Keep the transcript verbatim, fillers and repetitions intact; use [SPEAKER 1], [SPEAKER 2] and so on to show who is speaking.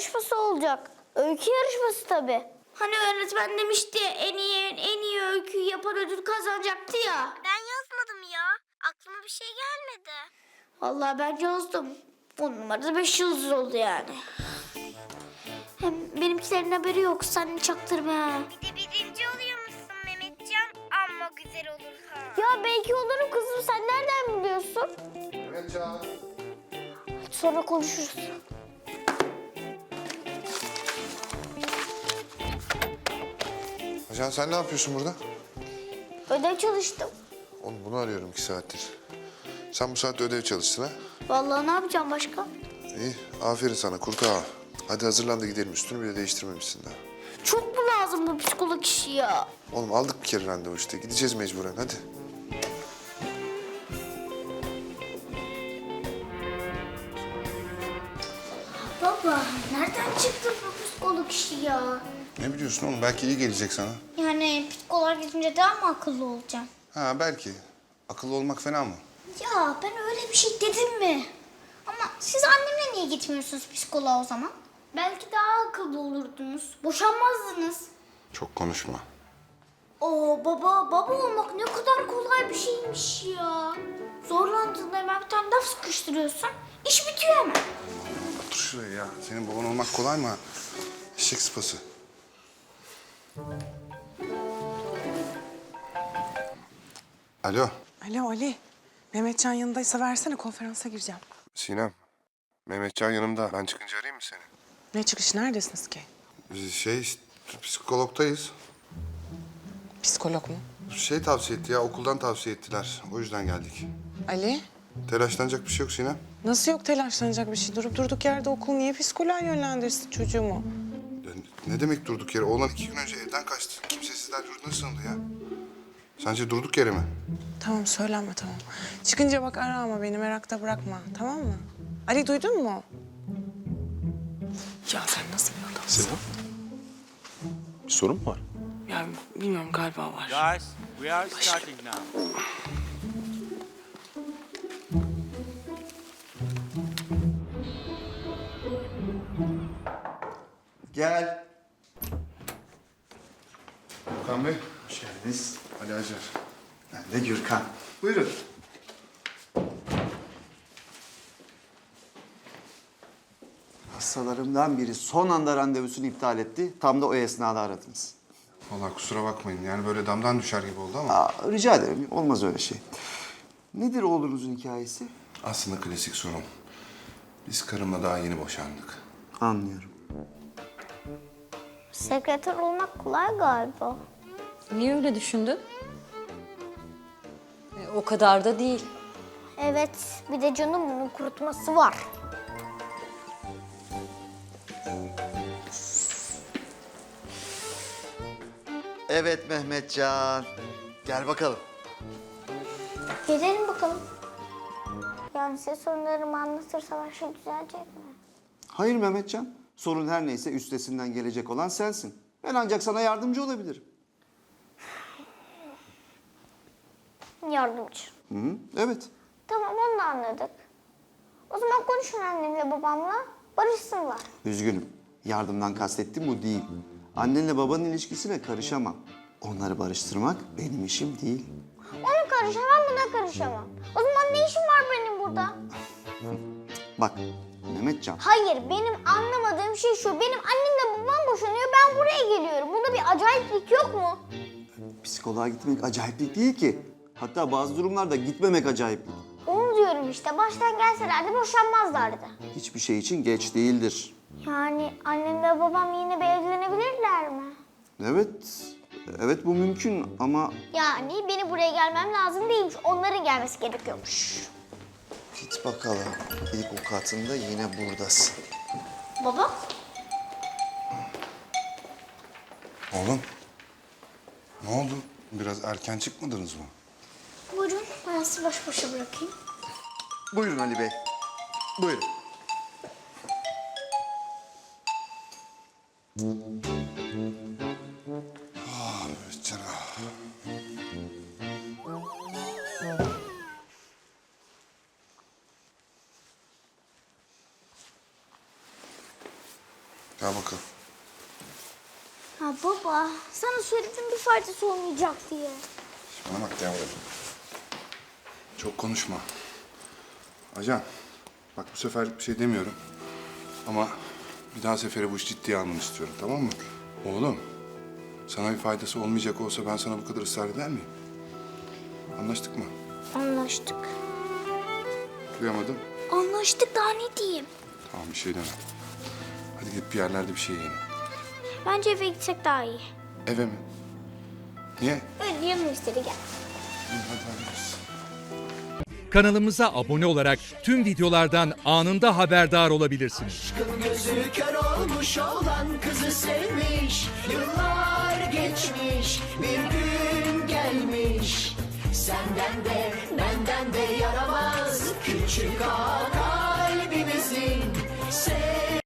[SPEAKER 1] yarışması olacak. Öykü yarışması tabii. Hani öğretmen demişti en iyi en iyi öyküyü yapan ödül kazanacaktı ya.
[SPEAKER 2] Ben yazmadım ya. Aklıma bir şey gelmedi.
[SPEAKER 1] Vallahi ben yazdım. On numarada beş yıldız oldu yani. Hem benimkilerin haberi yok. Sen çaktırma ha.
[SPEAKER 2] Bir de birinci oluyormuşsun Mehmetcan. Amma güzel olur ha.
[SPEAKER 1] Ya belki olurum kızım. Sen nereden biliyorsun?
[SPEAKER 3] Evet Can.
[SPEAKER 1] Sonra konuşuruz.
[SPEAKER 3] Can sen ne yapıyorsun burada?
[SPEAKER 1] Ödev çalıştım.
[SPEAKER 3] Oğlum bunu arıyorum iki saattir. Sen bu saatte ödev çalıştın ha?
[SPEAKER 1] Vallahi ne yapacağım başka?
[SPEAKER 3] İyi, aferin sana kurt ağa. Hadi hazırlan da gidelim. Üstünü bile değiştirmemişsin daha.
[SPEAKER 1] Çok mu lazım bu psikolog işi ya?
[SPEAKER 3] Oğlum aldık bir kere randevu işte. Gideceğiz mecburen hadi.
[SPEAKER 1] Baba nereden çıktı bu psikolog işi ya?
[SPEAKER 3] Ne biliyorsun oğlum? Belki iyi gelecek sana.
[SPEAKER 1] Yani psikoloğa gidince daha mı akıllı olacağım?
[SPEAKER 3] Ha belki. Akıllı olmak fena mı?
[SPEAKER 1] Ya ben öyle bir şey dedim mi? Ama siz annemle niye gitmiyorsunuz psikoloğa o zaman? Belki daha akıllı olurdunuz. Boşanmazdınız.
[SPEAKER 3] Çok konuşma.
[SPEAKER 1] Oo baba, baba olmak ne kadar kolay bir şeymiş ya. Zorlandığında hemen bir tane laf sıkıştırıyorsun. İş bitiyor hemen.
[SPEAKER 3] Otur şuraya ya. Senin baban olmak kolay mı? Eşek sıpası. Alo.
[SPEAKER 4] Alo Ali. Mehmetcan yanındaysa versene, konferansa gireceğim.
[SPEAKER 3] Sinem. Mehmetcan yanımda. Ben çıkınca arayayım mı seni?
[SPEAKER 4] Ne çıkış, neredesiniz ki?
[SPEAKER 3] Biz şey işte, psikologdayız.
[SPEAKER 4] Psikolog mu?
[SPEAKER 3] Şey tavsiye etti ya, okuldan tavsiye ettiler. O yüzden geldik.
[SPEAKER 4] Ali,
[SPEAKER 3] Telaşlanacak bir şey yok Sinem.
[SPEAKER 4] nasıl yok telaşlanacak bir şey? Durup durduk yerde okul niye psikoloğa yönlendirsin çocuğumu?
[SPEAKER 3] Ya ne demek durduk yere? Oğlan iki gün önce evden kaçtı. Kimsesizler yurduna sığındı ya. Sence durduk yere mi?
[SPEAKER 4] Tamam, söylenme tamam. Çıkınca bak ara ama beni merakta bırakma, tamam mı? Ali duydun mu? Ya sen nasıl bir adamsın?
[SPEAKER 5] Selam. Bir sorun mu var?
[SPEAKER 4] Ya bilmiyorum, galiba var.
[SPEAKER 6] Guys, we are starting now.
[SPEAKER 7] Gel.
[SPEAKER 3] Okan Bey.
[SPEAKER 7] Hoş geldiniz.
[SPEAKER 3] Ali Acar.
[SPEAKER 7] Ben de Gürkan. Buyurun. Hastalarımdan biri son anda randevusunu iptal etti. Tam da o esnada aradınız.
[SPEAKER 3] Vallahi kusura bakmayın. Yani böyle damdan düşer gibi oldu ama.
[SPEAKER 7] Aa, rica ederim. Olmaz öyle şey. Nedir oğlunuzun hikayesi?
[SPEAKER 3] Aslında klasik sorun. Biz karımla daha yeni boşandık.
[SPEAKER 7] Anlıyorum.
[SPEAKER 1] Sekreter olmak kolay galiba.
[SPEAKER 8] Niye öyle düşündün? E, o kadar da değil.
[SPEAKER 1] Evet, bir de canım bunun kurutması var.
[SPEAKER 7] Evet Mehmetcan. Gel bakalım.
[SPEAKER 1] Gelelim bakalım. Yani size sorunlarımı anlatırsa her şey düzelecek mi?
[SPEAKER 7] Hayır Mehmetcan. Sorun her neyse üstesinden gelecek olan sensin. Ben ancak sana yardımcı olabilirim.
[SPEAKER 1] Yardımcı.
[SPEAKER 7] Hı hı, evet.
[SPEAKER 1] Tamam, onu da anladık. O zaman konuşun annemle babamla, barışsınlar.
[SPEAKER 7] Üzgünüm. Yardımdan kastettiğim bu değil. Annenle babanın ilişkisine karışamam. Onları barıştırmak benim işim değil.
[SPEAKER 1] Ona karışamam, buna karışamam. O zaman ne işim var benim burada?
[SPEAKER 7] Bak Mehmetcan,
[SPEAKER 1] Hayır, benim anlamadığım şey şu. Benim annemle babam boşanıyor, ben buraya geliyorum. Bunda bir acayiplik yok mu?
[SPEAKER 7] psikoloğa gitmek acayiplik değil ki. Hatta bazı durumlarda gitmemek acayiplik.
[SPEAKER 1] Onu diyorum işte. Baştan gelselerdi boşanmazlardı.
[SPEAKER 7] Hiçbir şey için geç değildir.
[SPEAKER 1] Yani annem ve babam yine bir evlenebilirler mi?
[SPEAKER 7] Evet, evet bu mümkün ama...
[SPEAKER 1] Yani beni buraya gelmem lazım değilmiş. Onların gelmesi gerekiyormuş.
[SPEAKER 7] Git bakalım. İlk avukatında yine buradasın.
[SPEAKER 1] Baba?
[SPEAKER 3] Oğlum. Ne oldu? Biraz erken çıkmadınız mı?
[SPEAKER 1] Buyurun, ben sizi baş başa bırakayım.
[SPEAKER 7] Buyurun Ali Bey. Buyurun.
[SPEAKER 3] Ah Mehmetcan ah. Gel bakalım.
[SPEAKER 1] Ha baba, sana söyledim bir faydası olmayacak diye.
[SPEAKER 3] Bana bak yavrum. Çok konuşma. Ajan, bak bu sefer bir şey demiyorum. Ama bir daha sefere bu iş ciddiye almanı istiyorum, tamam mı? Oğlum, sana bir faydası olmayacak olsa ben sana bu kadar ısrar eder miyim? Anlaştık mı?
[SPEAKER 1] Anlaştık.
[SPEAKER 3] Duyamadım.
[SPEAKER 1] Anlaştık, daha ne diyeyim?
[SPEAKER 3] Tamam, bir şey demem. Hadi gidip bir yerlerde bir şey yiyelim.
[SPEAKER 1] Bence eve gitsek daha iyi.
[SPEAKER 3] Eve mi? Niye?
[SPEAKER 1] Öyle yanım istedi, gel.
[SPEAKER 3] İyi, hadi hadi biz.
[SPEAKER 9] Kanalımıza abone olarak tüm videolardan anında haberdar olabilirsiniz.
[SPEAKER 10] Gözü kör olmuş olan kızı sevmiş. Yıllar geçmiş, bir gün gelmiş. Senden de benden de yaramaz küçük ağa kalbimizin.